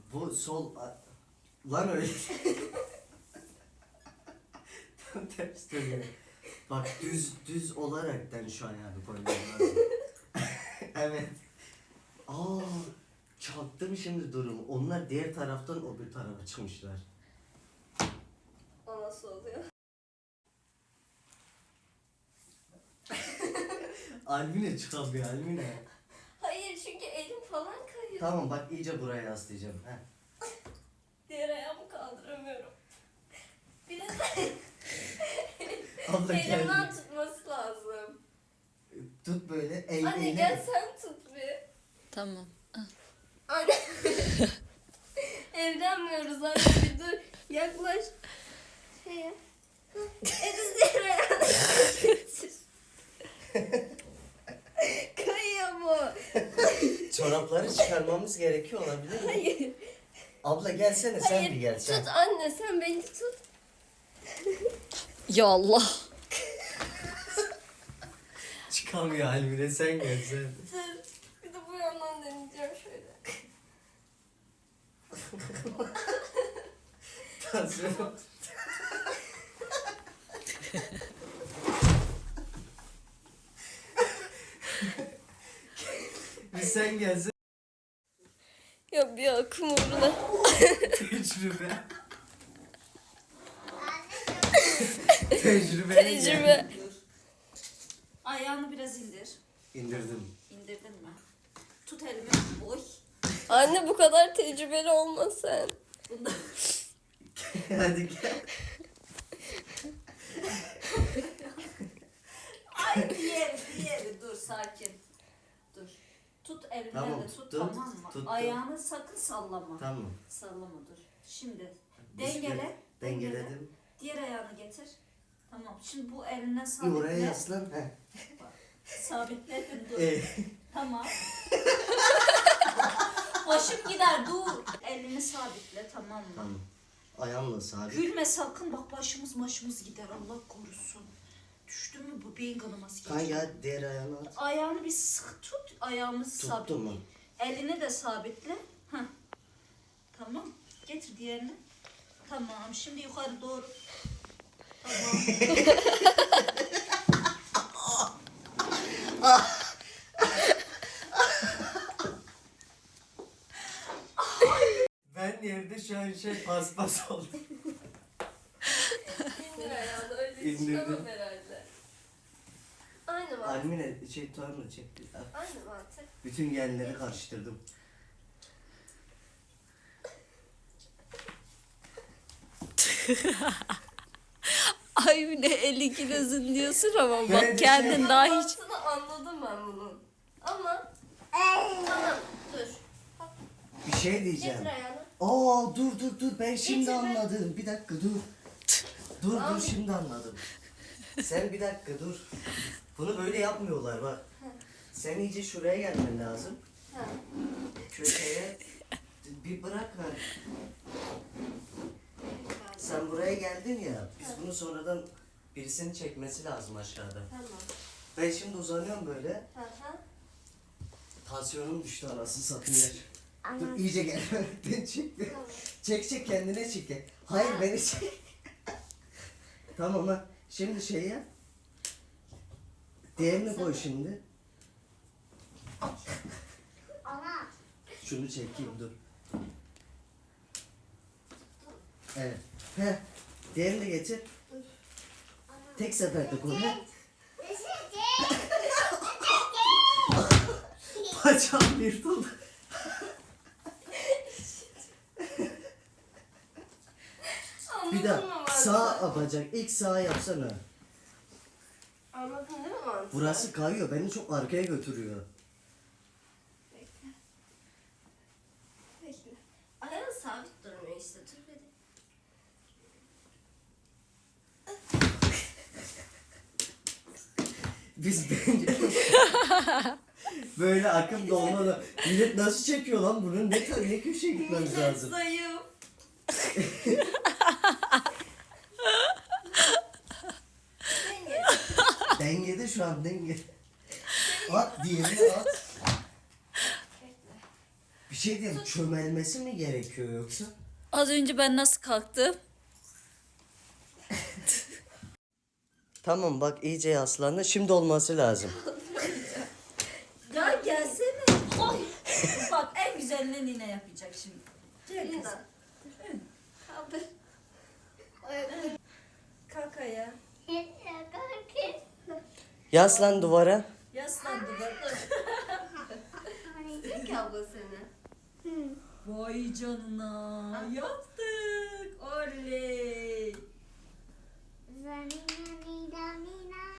Bu sol... Lan öyle. Tam ters dönüyor. Bak düz olaraktan şu ayağını koymam lazım. Evet. Aa, çaktım şimdi durumu. Onlar diğer taraftan o bir tarafa çıkmışlar. O nasıl oluyor? Almine çıkamıyor Almine. Hayır çünkü elim falan kayıyor. Tamam bak iyice buraya yaslayacağım. Heh. Diğer ayağımı kaldıramıyorum. Bir de Abla elimden geldi. tutması lazım. Tut böyle. Anne gel sen tut bir. Tamam. Anne. Evlenmiyoruz anne bir dur. Yaklaş. Şeye. Ediz diğer ayağını getir. Kayıyor bu. Çorapları çıkarmamız gerekiyor olabilir mi? Hayır. Abla gelsene sen Hayır. bir gel sen. Tut anne sen beni tut. Ya Allah. Çıkamıyor Almine sen gel sen. Dur. Bir de bu yandan deneyeceğim şöyle. Tansiyon. Bir sen gelsen. Ya bir akım uğruna. Tecrübe. Tecrübe. Tecrübe. Ayağını biraz indir. İndirdim. İndirdin mi? Tut elimi. Oy. Anne bu kadar tecrübeli olma sen. Bunda. Hadi gel. Ay diğeri. Dur sakin. Dur. Tut elimden Tamam, de tut, tut, tamam mı? tuttum. Ayağını sakın sallama. Tamam. Sallama dur. Şimdi Biz dengele. Dengeledim. Diğer ayağını getir. Tamam. Şimdi bu elinden Bir sabitle. oraya yaslan. Heh. Bak, sabitledin dur. Tamam. Başım gider dur. Elini sabitle tamam mı? Tamam. Ayağımla sabit. Gülme sakın bak başımız gider Allah korusun. Düştü mü bu beyin kanaması Kan geçiyor. ya diğer ayağını at. Ayağını bir sıkı tut, ayağımızı Tuttum sabitle. mu? Elini de sabitle. Heh. Tamam. Getir diğerini. Tamam. Şimdi yukarı doğru. Tamam. Ben yerde şu an paspas oldum. İndir ayağını öyle İndirdim. çıkamam herhalde. Aynı mantık. Almine tutarını çek. Aynı mantık. Bütün genleri karıştırdım. Ay bir de 52 kilosun diyorsun ama Böyle bak kendin daha hiç... Mantığını anladım ben bunun. Ama tamam dur. Bir şey diyeceğim. Getir ayağını. Aa dur ben şimdi Getir be. anladım. Bir dakika dur. Dur şimdi anladım. Sen bir dakika dur. Bunu böyle yapmıyorlar bak. Sen iyice şuraya gelmen lazım. Ha. Köşeye bir bırak ver. Sen buraya geldin ya. Biz bunu sonradan birisinin çekmesi lazım aşağıda. Tamam. Ben şimdi uzanıyorum böyle. Hı hı. Tansiyonum düştü anasını satayım. Dur iyice gel. Beni çek. Tamam. Çek kendine çek. Hayır beni çek. Tamam ha. Şimdi şey yap. Diğerini koy şimdi. Şunu çekeyim dur. Evet. Heh. Diğerini de getir. Tek seferde koy. Heh. Bacağım yırtıldı. Bir Anladın mı daha mantığı? sağ bacak. İlk sağ yapsana. Anladın değil mi mantığı? Burası kayıyor. Beni çok arkaya götürüyor. Bekle. Bekle. Ayağın sabit durmuyor işte. Dur bir de. Biz bence böyle akım dolmalı. Millet nasıl çekiyor lan bunu? Ne köşeye gitmemiz Millet lazım? zayıf. Denge. Dengede şu an denge. At diğerini at. Bekle. Bir şey diyeyim, çömelmesi mi gerekiyor yoksa? Az önce ben nasıl kalktım? Tamam bak iyice yaslandı. Şimdi olması lazım. Ya gelsene. Oy. Bak en güzelini Nine yapacak şimdi. Gel kızım. Lina. Kaldır. Kalk ayağa. Yaslan duvara. Yaslan duvara. Sevdi ki abla seni. Vay canına. Yaptık. Oley.